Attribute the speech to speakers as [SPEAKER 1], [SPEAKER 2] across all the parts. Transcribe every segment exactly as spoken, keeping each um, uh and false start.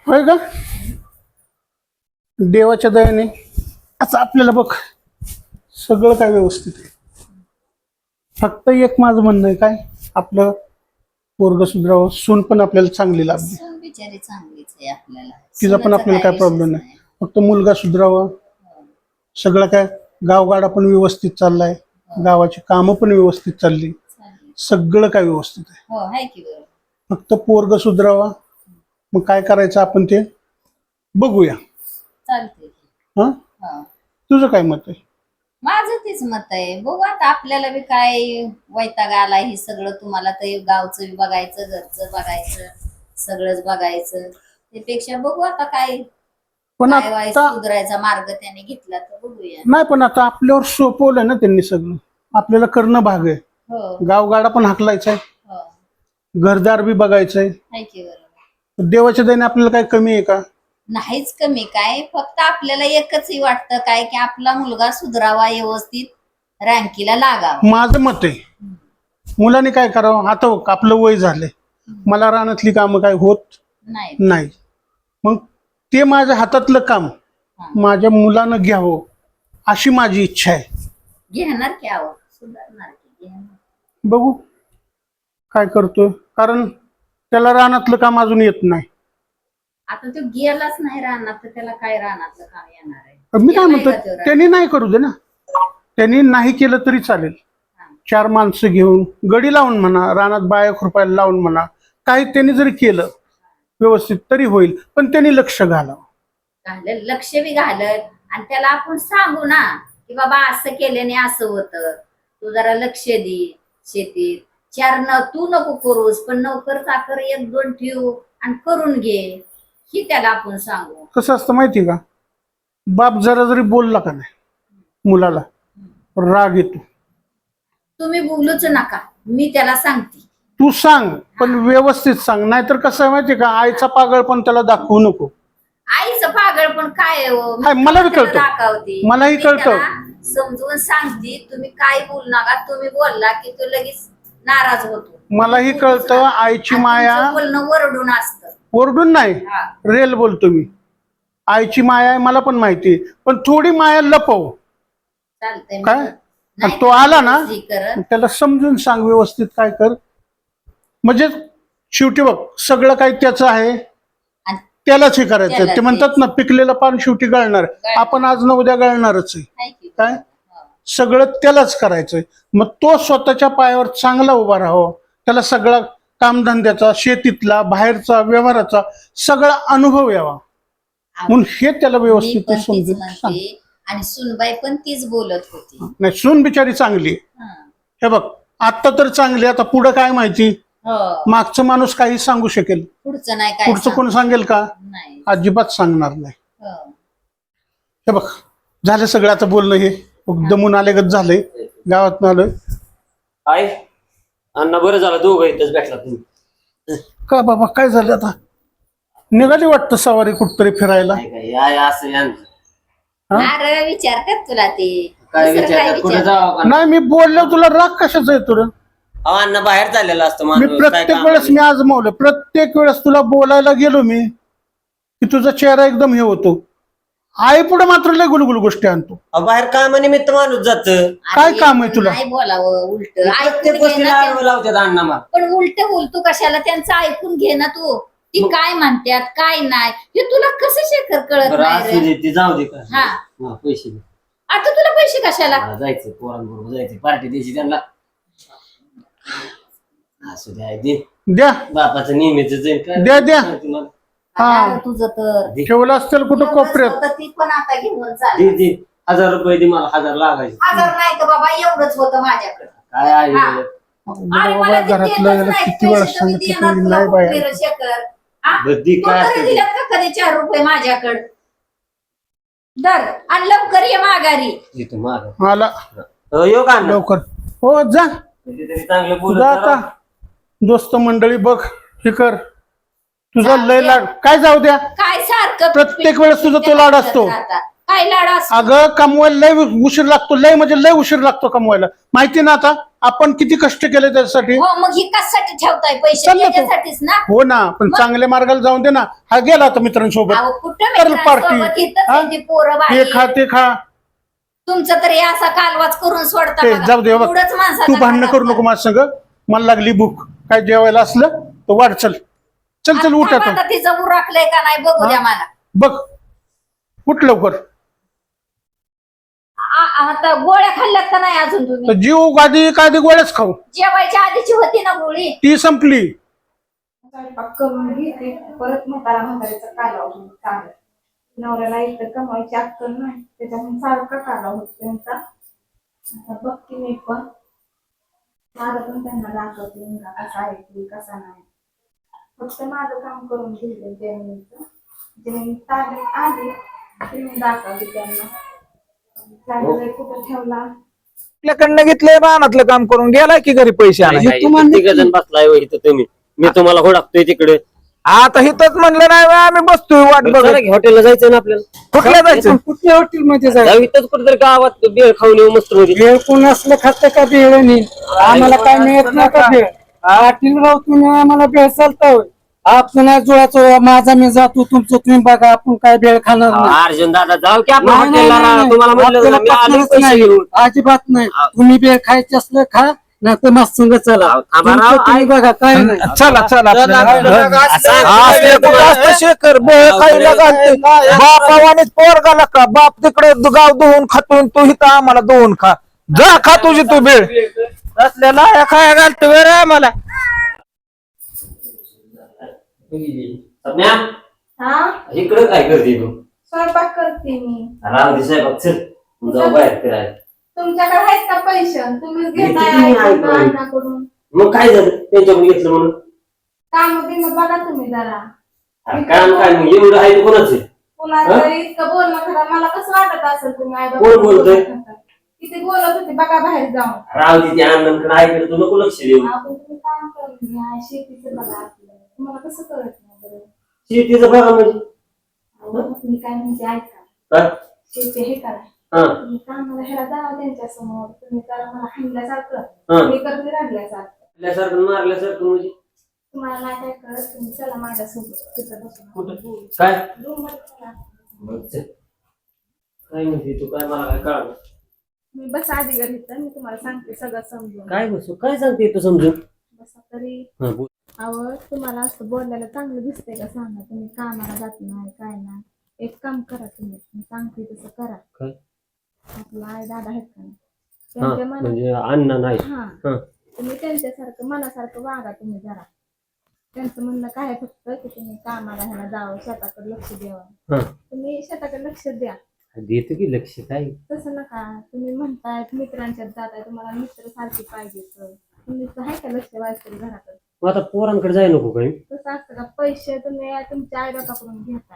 [SPEAKER 1] होय का? देवाच्या दयाने आता आपल्याला बघ सगळं काय व्यवस्थित आहे. फक्त एक माझं म्हणणं आहे, काय आपलं पोरग सुधरावं, सून पण आपल्याला चांगली लागली,
[SPEAKER 2] सून बिचारी चांगलीच आहे आपल्याला,
[SPEAKER 1] तिचा पण
[SPEAKER 2] सुनेचा
[SPEAKER 1] आपल्याला काय
[SPEAKER 2] विषयच
[SPEAKER 1] प्रॉब्लेम नाही. फक्त मुलगा सुधरावा. सगळं काय गावगाडा पण व्यवस्थित चाललाय, गावाची कामं पण व्यवस्थित चालली,
[SPEAKER 2] चालेल.
[SPEAKER 1] सगळं काय व्यवस्थित आहे.
[SPEAKER 2] हो आहे की बरोबर.
[SPEAKER 1] फक्त पोरग सुधरावा. मग काय करायचं आपण ते बघूया.
[SPEAKER 2] चालते.
[SPEAKER 1] हा,
[SPEAKER 2] हा,
[SPEAKER 1] तुझं काय मत आहे?
[SPEAKER 2] माझं तेच मत आहे. बघू आता आपल्याला बी काय वैताग आला हे सगळं. तुम्हाला तर गावचं बी बघायचं, घरचं बघायचं, सगळंच बघायचं. त्यापेक्षा बघू आता काय
[SPEAKER 1] पण
[SPEAKER 2] काय वाय
[SPEAKER 1] आता
[SPEAKER 2] सुधारायचा मार्ग त्याने घेतला तर बघूया.
[SPEAKER 1] नाही, पण आता आपल्यावर सोपवलंय ना त्यांनी सगळं, आपल्याला करणं भाग आहे.
[SPEAKER 2] हो
[SPEAKER 1] गावगाडा पण हाकलायचा आहे,
[SPEAKER 2] हो
[SPEAKER 1] घरदार बी बघायचंय.
[SPEAKER 2] आहे की बरोबर.
[SPEAKER 1] देवाच्या दयाने आपल्याला काय कमी आहे का?
[SPEAKER 2] नाहीच कमी काय, फक्त आपल्याला एकच वाटतं काय की आपला मुलगा सुधरावा, व्यवस्थित रँकीला लागावा.
[SPEAKER 1] माझं मत आहे, मुलांनी काय करावं. आता बघ, आपलं वय झालंय, मला रानातली कामं काय होत
[SPEAKER 2] नाही
[SPEAKER 1] नाही. मग ते माझ्या हातातलं काम माझ्या मुलानं घ्यावं अशी माझी इच्छा आहे.
[SPEAKER 2] घेणार की आव सुधारणार की घेणार.
[SPEAKER 1] बघू काय करतोय, कारण त्याला रानातलं काम अजून येत नाही.
[SPEAKER 2] आता तो गेलाच नाही रानात तर त्याला काय रानातलं काम येणार आहे.
[SPEAKER 1] मी काय
[SPEAKER 2] गेलाय
[SPEAKER 1] म्हणतो,
[SPEAKER 2] का तो रानात?
[SPEAKER 1] त्यांनी नाही करू दे ना, त्यांनी नाही केलं तरी चालेल.
[SPEAKER 2] हा.
[SPEAKER 1] चार माणसं घेऊन गडी लावून म्हणा, रानात बाया खुरपायला लावून म्हणा, काही त्यांनी जरी केलं व्यवस्थित तरी होईल. पण त्यांनी लक्ष घालावं.
[SPEAKER 2] घालत लक्ष बी घालत आणि त्याला आपण सांगू ना की बाबा असं केल्याने असं होतं, तू जरा लक्ष दे शेतीत. चार न तू नको करूस, पण नोकर चाकर एक दोन ठेव आणि करून घे, ही त्याला आपण सांगू.
[SPEAKER 1] कसं असतं माहिती का, बाप जरा जरी बोलला का नाही मुलाला राग येतो.
[SPEAKER 2] तुम्ही बोलूच नका, मी त्याला सांगते.
[SPEAKER 1] तू सांग, पण व्यवस्थित सांग. नाहीतर कसं आहे माहिती का, आईचा पागळ पण त्याला दाखवू नको.
[SPEAKER 2] आईचं पागळ पण काय आहे हो? मी
[SPEAKER 1] हाय, मला बी
[SPEAKER 2] त्याला
[SPEAKER 1] कळतं.
[SPEAKER 2] दाखवते.
[SPEAKER 1] मलाही
[SPEAKER 2] मी
[SPEAKER 1] कळतं.
[SPEAKER 2] त्याला समजून सांगते, तुम्ही काय बोलू नका. तुम्ही बोलला की तो लगेच नाराज होतो.
[SPEAKER 1] मलाही कळतं आईची
[SPEAKER 2] आणि
[SPEAKER 1] माया.
[SPEAKER 2] तुमचं बोलणं वरडून असतं.
[SPEAKER 1] ओरडून नाही,
[SPEAKER 2] हा.
[SPEAKER 1] रेल बोलतो मी. आईची माया आहे मला पण माहिती, पण थोडी माया लपव.
[SPEAKER 2] चालतंय.
[SPEAKER 1] काय?
[SPEAKER 2] नाही
[SPEAKER 1] आणि तो आला ना
[SPEAKER 2] हे करत.
[SPEAKER 1] त्याला समजून सांग व्यवस्थित काय कर. म्हणजे शेवटी बघ सगळं काही त्याचं आहे,
[SPEAKER 2] आणि
[SPEAKER 1] त्यालाच हे करायचं.
[SPEAKER 2] त्यालाच
[SPEAKER 1] ते म्हणतात ना, पिकलेलं पान शेवटी गळणार.
[SPEAKER 2] गळणार.
[SPEAKER 1] आपण आज ना उद्या गळणारच आहे.
[SPEAKER 2] हाय की.
[SPEAKER 1] काय
[SPEAKER 2] हा.
[SPEAKER 1] सगळं त्यालाच करायचंय. मग तो स्वतःच्या पायावर चांगला उभा राहावा. त्याला सगळा कामधंद्याचा, शेतीतला, बाहेरचा, व्यवहाराचा सगळा अनुभव यावा, म्हणून हे त्याला
[SPEAKER 2] मी
[SPEAKER 1] व्यवस्थित
[SPEAKER 2] पण तीच
[SPEAKER 1] समजून सांग.
[SPEAKER 2] म्हणते आणि सुनबाई पण तीच बोलत होती.
[SPEAKER 1] नाही, सून बिचारी चांगली आहे.
[SPEAKER 2] हा.
[SPEAKER 1] हे बघ, आता तर चांगली, आता पुढं काय माहिती.
[SPEAKER 2] हो.
[SPEAKER 1] मागचं माणूस काही सांगू शकेल,
[SPEAKER 2] पुढचं नाही काय
[SPEAKER 1] पुढचं कोण
[SPEAKER 2] सांगू.
[SPEAKER 1] सांगेल का?
[SPEAKER 2] नाही.
[SPEAKER 1] अजिबात सांगणार नाही.
[SPEAKER 2] हो.
[SPEAKER 1] हे बघ, झालं सगळं आता बोलणं. हे दमून आलेगत झालंय, गावात आलोय.
[SPEAKER 3] आई अण्णा बरं झालं दोघं इथंच भेटला तुम्ही.
[SPEAKER 1] का बाबा, काय झालं आता? निघाली वाटतं सवारी कुठतरी फिरायला.
[SPEAKER 3] काय काय या या असं यांचं.
[SPEAKER 1] हा?
[SPEAKER 2] अरे विचारतात तुला ते.
[SPEAKER 3] काय
[SPEAKER 2] दुसरं
[SPEAKER 3] विचार कुठे
[SPEAKER 2] विचार?
[SPEAKER 3] जावं का?
[SPEAKER 1] नाही, मी बोललो तुला राग कशाचा येतो रे?
[SPEAKER 3] अहो अण्णा बाहेर चाललेला असतो
[SPEAKER 1] मी
[SPEAKER 3] माणूस, काय
[SPEAKER 1] प्रत्येक
[SPEAKER 3] काम
[SPEAKER 1] वेळेस मी
[SPEAKER 3] नाही.
[SPEAKER 1] आजमावलं, प्रत्येक वेळेस तुला बोलायला गेलो मी की तुझा चेहरा एकदम हे होतो. आई पुढे मात्र लय गुलगुल गोष्टी आणतो.
[SPEAKER 3] अहो, बाहेर कामानिमित्त माणूस जात.
[SPEAKER 1] काय
[SPEAKER 2] अरे,
[SPEAKER 1] काम आहे तुला?
[SPEAKER 2] नाही बोलावं उलट.
[SPEAKER 3] प्रत्येक
[SPEAKER 2] ऐकून घे
[SPEAKER 3] गोष्टीला
[SPEAKER 2] ना
[SPEAKER 3] आडवं
[SPEAKER 2] त्यांचं.
[SPEAKER 3] लावतात अण्णा मला.
[SPEAKER 2] पण उलट बोलतो कशाला? त्यांचं ऐकून घे ना तू. ती काय म्हणतात काय नाही हे तुला कसं शेखर कळत
[SPEAKER 3] बरं
[SPEAKER 2] नाही
[SPEAKER 3] असू
[SPEAKER 2] रे?
[SPEAKER 3] दे, ते जाऊ दे का.
[SPEAKER 2] हा.
[SPEAKER 3] हा, पैसे दे.
[SPEAKER 2] आता तुला पैसे कशाला?
[SPEAKER 3] मला जायचं पोरांबरोबर, जायचं पार्टी द्यायची त्यांना. असू दे आई, दे.
[SPEAKER 1] द्या
[SPEAKER 3] बापाचं नेहमीच
[SPEAKER 1] द्या, द्या. हा.
[SPEAKER 2] अरे तुझं तर
[SPEAKER 1] ठेवलं असतील कुठं कोपऱ्यात.
[SPEAKER 2] एवढंच होतं, ती पण आता घेऊन
[SPEAKER 3] दे
[SPEAKER 2] चाल.
[SPEAKER 3] दे हजार रुपये दे मला, हजार लागायचे.
[SPEAKER 2] हजार नाही तर बाबा एवढंच होतं माझ्याकडे.
[SPEAKER 3] काय आहे
[SPEAKER 2] हा.
[SPEAKER 3] हे?
[SPEAKER 2] अरे
[SPEAKER 1] बाबा,
[SPEAKER 2] मला ते
[SPEAKER 1] घरातलं
[SPEAKER 2] देतच
[SPEAKER 1] याला
[SPEAKER 2] नाही,
[SPEAKER 1] किती वेळा
[SPEAKER 2] पैसे तुम्ही
[SPEAKER 1] सांगितलं
[SPEAKER 2] देणार
[SPEAKER 1] तरी
[SPEAKER 2] तुला
[SPEAKER 1] नाही बाया.
[SPEAKER 2] कुठले रे शेखर? हा?
[SPEAKER 3] बुद्धी
[SPEAKER 2] तू
[SPEAKER 3] काय
[SPEAKER 2] तरी
[SPEAKER 3] असते?
[SPEAKER 2] दिल्यात का कधी चार रुपये माझ्याकडे? दर आणि लवकर ये माघारी.
[SPEAKER 3] इथं मागं.
[SPEAKER 1] मला
[SPEAKER 3] अहो, येऊ का अण्णा?
[SPEAKER 1] लवकर. हो जा,
[SPEAKER 3] कधीतरी चांगलं बोलत
[SPEAKER 1] तुझा आता
[SPEAKER 3] राहा.
[SPEAKER 1] दोस्त मंडळी बघ, हे कर. तुझा लय लाड काय जाऊ द्या.
[SPEAKER 2] काय सारखं
[SPEAKER 1] प्रत्येक वेळेस तुझा तो लाड असतो.
[SPEAKER 2] आता काय लाड असतो
[SPEAKER 1] अगं कमवायला लय उशीर लागतो, लय म्हणजे लय उशीर लागतो कमवायला. माहिती ना आता आपण किती कष्ट केले त्यासाठी.
[SPEAKER 2] हो मग ही कशासाठी ठेवताय पैसे
[SPEAKER 1] चल ना तू.
[SPEAKER 2] त्याच्यासाठीच ना.
[SPEAKER 1] हो ना, पण चांगल्या मार्गाला जाऊन दे ना. हा गेला आता मित्रांसोबत,
[SPEAKER 2] अहो कुठं
[SPEAKER 1] कर
[SPEAKER 2] मित्रांसोबत
[SPEAKER 1] पार्टी.
[SPEAKER 2] इथंच
[SPEAKER 1] हा?
[SPEAKER 2] त्यांची पोरं
[SPEAKER 1] हे
[SPEAKER 2] बाहेर.
[SPEAKER 1] खा ते खा.
[SPEAKER 2] तुमचं तरी असा कालवाच करून सोडता
[SPEAKER 1] ते
[SPEAKER 2] बघा.
[SPEAKER 1] जाऊ दे बघ.
[SPEAKER 2] एवढंच माणसाचा
[SPEAKER 1] तू भांडणं
[SPEAKER 2] खराब
[SPEAKER 1] करू नको
[SPEAKER 2] कर.
[SPEAKER 1] माझ्या संग. मला लागली भूक. काय जेवायला असलं तर वाढ. चल चल चल उठ
[SPEAKER 2] आता
[SPEAKER 1] आता.
[SPEAKER 2] आता तिचं उरकलंय का नाही बघू द्या मला.
[SPEAKER 1] बघ उठ लवकर.
[SPEAKER 2] आ- आता गोळ्या खाल्ल्यात का नाही अजून तुम्ही?
[SPEAKER 1] तर जीव गादी कादी गोळ्याच खाऊ.
[SPEAKER 2] जेवायच्या आधीची होती ना गोळी.
[SPEAKER 1] ती संपली.
[SPEAKER 4] स्वयंपाक करून घेते परत म्हातारा म्हातारीचा काला होतो चांगला. नवऱ्याला इथं कमायची अक्कल नाही त्याच्यामुळे सारखा काला होतो त्यांचा. आता बघते मी पण माझं पण त्यांना दाखवते मुलगा कसा आहे की कसा नाही. फक्त माझं काम करून घेतलं जमिनीचं. जमिनी ताब्यात आली की मी दाखवते त्यांना. चांगलं कुठं ठेवला
[SPEAKER 5] आपल्याकडनं घेतलंय रानातलं काम करून गेलाय की घरी पैसे आणायचे.
[SPEAKER 3] तिघ जण बसलाय होय इथं तुम्ही. मी तुम्हाला हुडाकतोय तिकडे.
[SPEAKER 5] आता हिथंच म्हणलं नाही बा, आम्ही बसतोय वाट बघत.
[SPEAKER 3] हॉटेलला जायचं ना आपल्याला.
[SPEAKER 5] कुठल्या जायचं?
[SPEAKER 6] कुठल्या हॉटेल मध्ये
[SPEAKER 3] जाऊ
[SPEAKER 6] जायचं?
[SPEAKER 3] इथंच कुठेतरी गावात बेळ खाऊन येऊ मस्त मध्ये.
[SPEAKER 6] भेळ कोण असलं खातं का भेळ नाही? आम्हाला काय मिळत नाही का भेळ? पाटील राव तुम्ही आम्हाला भेळ चालता होय? आपण नाही जुळाचं, माझा मी जातो तुमचं तुम्ही बघा, आपण काय भेळ खाणार नाही.
[SPEAKER 3] अर्जुन दादा जाऊ की आपण
[SPEAKER 6] नाही, नाही,
[SPEAKER 3] हॉटेलला
[SPEAKER 6] नाही,
[SPEAKER 3] राहा.
[SPEAKER 6] नाही.
[SPEAKER 3] तुम्हाला म्हटलं
[SPEAKER 6] आपल्याला
[SPEAKER 3] ना, मी आले
[SPEAKER 6] पटणारच
[SPEAKER 3] पैसे
[SPEAKER 6] नाही.
[SPEAKER 3] घेऊन.
[SPEAKER 6] अजिबात नाही. तुम्ही भेळ खायची असलं खा, नाही तर मस्त संग चला.
[SPEAKER 3] अहो, थांबा
[SPEAKER 6] तुमचं
[SPEAKER 3] राव,
[SPEAKER 6] तुम्ही
[SPEAKER 3] ऐक.
[SPEAKER 6] बघा काय नाही.
[SPEAKER 5] चला चला
[SPEAKER 3] चला,
[SPEAKER 5] आपल्याला.
[SPEAKER 3] असं-
[SPEAKER 5] असले कुठं असतं शेखर बेळ खायला घालते. बापावानीच पोरगाला का बाप तिकडे गाव धुवून खातून तू इथं आम्हाला धुवून खा. जा खा तुझी तू बेळ. असलेला खाया घालतो वेळ आम्हाला.
[SPEAKER 3] सपन्या,
[SPEAKER 4] हा
[SPEAKER 3] इकडं काय करते तू?
[SPEAKER 4] स्वयंपाक करते मी.
[SPEAKER 3] राव दिसाय बघ चल जाऊ बाहेर फिरायला.
[SPEAKER 4] तुमच्याकडे आहेत का पैसे तुम्हीच
[SPEAKER 3] किती
[SPEAKER 4] घेताय
[SPEAKER 3] नाही
[SPEAKER 4] ऐकून
[SPEAKER 3] आहे.
[SPEAKER 4] अण्णाकडून.
[SPEAKER 3] मग काय झालं त्यांच्याकडून घेतलं म्हणून?
[SPEAKER 4] काम बिम बघा तुम्ही जरा.
[SPEAKER 3] अरे काम काय मग एवढं आहे तर कोणाचं आहे?
[SPEAKER 4] पुन्हा
[SPEAKER 3] हा?
[SPEAKER 4] जर इतकं बोलणं खरं मला कसं वाटत असेल तुम्ही आई
[SPEAKER 3] कोण बोलतोय?
[SPEAKER 4] किती बोलत होते बघा बाहेर जाऊन.
[SPEAKER 3] राव तिथे आनंदकडे ऐकलं तू नको लक्ष देऊ.
[SPEAKER 4] आपण तुम्ही काम करून घ्या शेतीचं बघा आपलं तुम्हाला कसं कळत नाही बरं.
[SPEAKER 3] शेतीचं बघा म्हणजे
[SPEAKER 4] अहो, तुम्ही काय म्हणजे ऐका
[SPEAKER 3] काय?
[SPEAKER 4] शेती हे करा.
[SPEAKER 3] हा
[SPEAKER 4] तुम्ही कामाला ह्याला जावा त्यांच्या समोर तुम्ही करा मला हाणल्यासारखं
[SPEAKER 3] हा.
[SPEAKER 4] मी करते राहिल्यासारखं.
[SPEAKER 3] आपल्यासारखं मारल्यासारखं म्हणजे
[SPEAKER 4] तुम्हाला नाही काय कळत तुम्ही चला माझ्यासोबत तिथं बसून
[SPEAKER 3] कुठं?
[SPEAKER 4] बोलू.
[SPEAKER 3] काय?
[SPEAKER 4] रूम मध्ये चला.
[SPEAKER 3] बघ चल. काय म्हणते तू? काय मला काय कळलं?
[SPEAKER 4] मी बस आधी घरी तर मी तुम्हाला सांगते सगळं समजून.
[SPEAKER 3] काय बसू काय सांगते तू समजून?
[SPEAKER 4] बसा तरी
[SPEAKER 3] हा, बोल.
[SPEAKER 4] अहो तुम्हाला असं बोलायला चांगलं दिसतंय का सांगा. तुम्ही कामाला जात नाही काय नाही. एक काम करा तुम्ही मी सांगते तसं करा.
[SPEAKER 3] काय?
[SPEAKER 4] आपला आई दादा आहेत का नाही
[SPEAKER 3] हा
[SPEAKER 4] त्यांच्या मनात
[SPEAKER 3] म्हणजे अन्न नाही.
[SPEAKER 4] हा
[SPEAKER 3] हा
[SPEAKER 4] तुम्ही त्यांच्यासारखं मनासारखं वागा तुम्ही जरा. त्यांचं म्हणणं काय आहे फक्त की तुम्ही कामाला ह्याला जावं शेताकडे लक्ष द्यावं.
[SPEAKER 3] हा
[SPEAKER 4] तुम्ही शेताकडे लक्ष द्या.
[SPEAKER 3] देतो की लक्ष. काय
[SPEAKER 4] तसं नका तुम्ही म्हणताय मित्रांच्यात जाताय तुम्हाला मित्र सारखे पाहिजे तुम्ही आहे का लक्ष वाचतरी घरात.
[SPEAKER 3] मग आता पोरांकडे जाय नको काय?
[SPEAKER 4] तसं असतं का पैसे तुम्ही तुमच्या आई बापाकडून घेताय.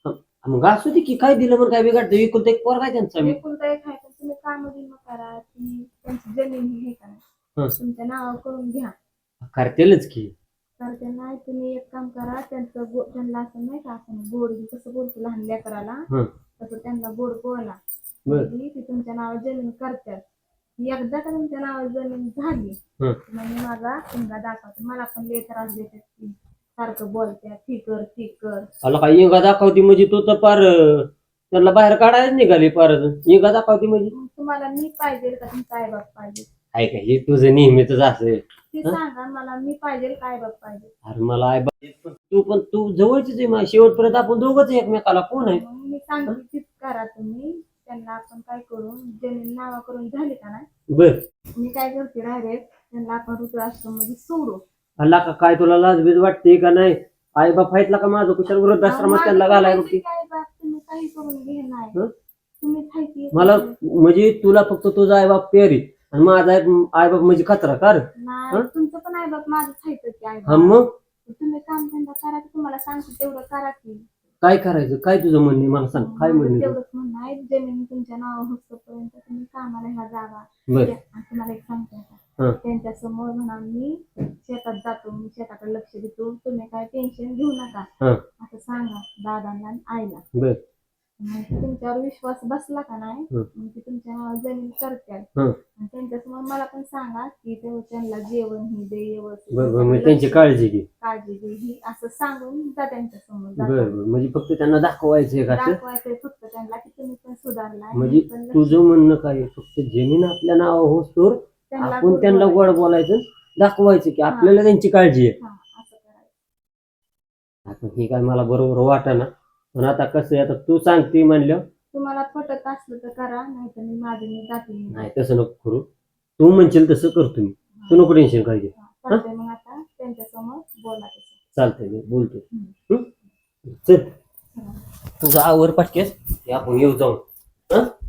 [SPEAKER 3] मग असू दे की काय दिलं म्हणून काय बिघडतं? विकून एक पोर काय त्यांचा मी.
[SPEAKER 4] एकुलता एक आहे पण तुम्ही काम बिम करा ती त्यांची जमीन हे करा
[SPEAKER 3] हं.
[SPEAKER 4] तुमच्या नावावर करून घ्या.
[SPEAKER 3] करतेलच की.
[SPEAKER 4] तर ते नाही तुम्ही एक काम करा त्यांचं गो- त्यांना असं नाही का असं गोड कसं बोलतो लहान लेकराला
[SPEAKER 3] हं.
[SPEAKER 4] तसं त्यांना गोड बोला.
[SPEAKER 3] बर.
[SPEAKER 4] म्हणजे ती तुमच्या नावावर जमीन करतात. एकदा का तुमच्या नावावर जमीन झाली
[SPEAKER 3] हं.
[SPEAKER 4] म्हणजे माझा मुलगा दाखवतो मला पण लय त्रास देतात ती सारखं बोलत्या ठी कर ठी कर.
[SPEAKER 3] आला काय इंगा दाखवती म्हणजे तो तर पार अं, त्यांना बाहेर काढायच निघाली पार. इंगा दाखवती म्हणजे
[SPEAKER 4] मग तुम्हाला मी पाहिजे का तुमचा आई बाप पाहिजे
[SPEAKER 3] आहे का? हे तुझं नेहमीच असं.
[SPEAKER 4] ती सांगा मला मी पाहिजे काय बाप पाहिजे.
[SPEAKER 3] अरे मला आहे बा- तू पण तू जवळचीच आहे माझ्या. शेवटपर्यंत आपण दोघंच आहे एकमेकाला. कोण आहे?
[SPEAKER 4] मग मी सांगते तीच करा तुम्ही. त्यांना आपण काय करू जमीन नावा करून झाली का नाही
[SPEAKER 3] बर.
[SPEAKER 4] मी काय करते डायरेक्ट त्यांना आपण वृद्धाश्रम मध्ये सोडू.
[SPEAKER 3] अल्ला का काय तुला लाजबीज वाटते का नाही? आई बाप आहेत का माझं कुशाल वृद्धाश्रमात त्यांना घालाय बघते.
[SPEAKER 4] काय बाप तुम्ही काही करून घेणार
[SPEAKER 3] हं?
[SPEAKER 4] तुम्ही खायची
[SPEAKER 3] मला म्हणजे तुला फक्त तुझा आई बाप प्यारी आणि माझा आई बाप म्हणजे खतरा कर.
[SPEAKER 4] नाही
[SPEAKER 3] हं?
[SPEAKER 4] तुमचं पण आई बाप माझं खायचं की आई
[SPEAKER 3] हा
[SPEAKER 4] बाप.
[SPEAKER 3] मग
[SPEAKER 4] तुम्ही काम धंदा करा की तुम्हाला सांगते तेवढं करा की.
[SPEAKER 3] काय करायचं? काय तुझं म्हणणे मला सांग. काय
[SPEAKER 4] माझं
[SPEAKER 3] म्हणणे?
[SPEAKER 4] तेवढंच म्हणणं आहे जमीन तुमच्या नावावर होतपर्यंत तुम्ही कामाला ह्या जावा.
[SPEAKER 3] बर.
[SPEAKER 4] आणि तुम्हाला एक सांगते
[SPEAKER 3] हं.
[SPEAKER 4] आता त्यांच्या समोर म्हणा मी शेतात जातो मी शेताकडे लक्ष देतो तुम्ही काय टेन्शन घेऊ नका
[SPEAKER 3] हं.
[SPEAKER 4] असं सांगा दादांना आणि आईला.
[SPEAKER 3] बर.
[SPEAKER 4] मग तुमच्यावर विश्वास बसला का नाही
[SPEAKER 3] हं.
[SPEAKER 4] मग ते तुमच्या नावावर जमीन करतात
[SPEAKER 3] हं.
[SPEAKER 4] आणि त्यांच्यासमोर मला पण सांगा की ते त्यांना जेवण ही दे व्यवस्थित
[SPEAKER 3] बरोबर म्हणजे
[SPEAKER 4] त्यांना
[SPEAKER 3] त्यांची
[SPEAKER 4] लक्ष-
[SPEAKER 3] काळजी घे.
[SPEAKER 4] काळजी घे ही असं सांगून जा त्यांच्यासमोर
[SPEAKER 3] बरं
[SPEAKER 4] जाताना.
[SPEAKER 3] बरं म्हणजे फक्त त्यांना दाखवायचं का असं
[SPEAKER 4] दाखवायचंय फक्त त्यांना की तुम्ही पण सुधारलाय
[SPEAKER 3] म्हणजे
[SPEAKER 4] मी पण लक्ष-
[SPEAKER 3] तुझं म्हणणं काय आहे? फक्त जमीन आपल्या नावावर होतोर
[SPEAKER 4] त्यांना
[SPEAKER 3] आपण
[SPEAKER 4] गोड
[SPEAKER 3] त्यांना
[SPEAKER 4] बोलायचं.
[SPEAKER 3] गोड बोलायचं दाखवायचं की आपल्याला त्यांची काळजी आहे.
[SPEAKER 4] हा, असं करायचं.
[SPEAKER 3] आता हे काय मला बरोबर वाटेना पण आता कसं आहे आता तू सांगते म्हणलं
[SPEAKER 4] तुम्हाला पटत असलं तर करा नाही तर मी माझे मी जाते मी.
[SPEAKER 3] नाही तसं नको करू तू म्हणशील तसं करतो मी तू नको टेन्शन काय घे
[SPEAKER 4] हा, चालतंय मग आता त्यांच्यासमोर बोला तसं.
[SPEAKER 3] चालतंय मी बोलतो हं? चल तुझा आवर पटकेस आपण येऊ जाऊ हं?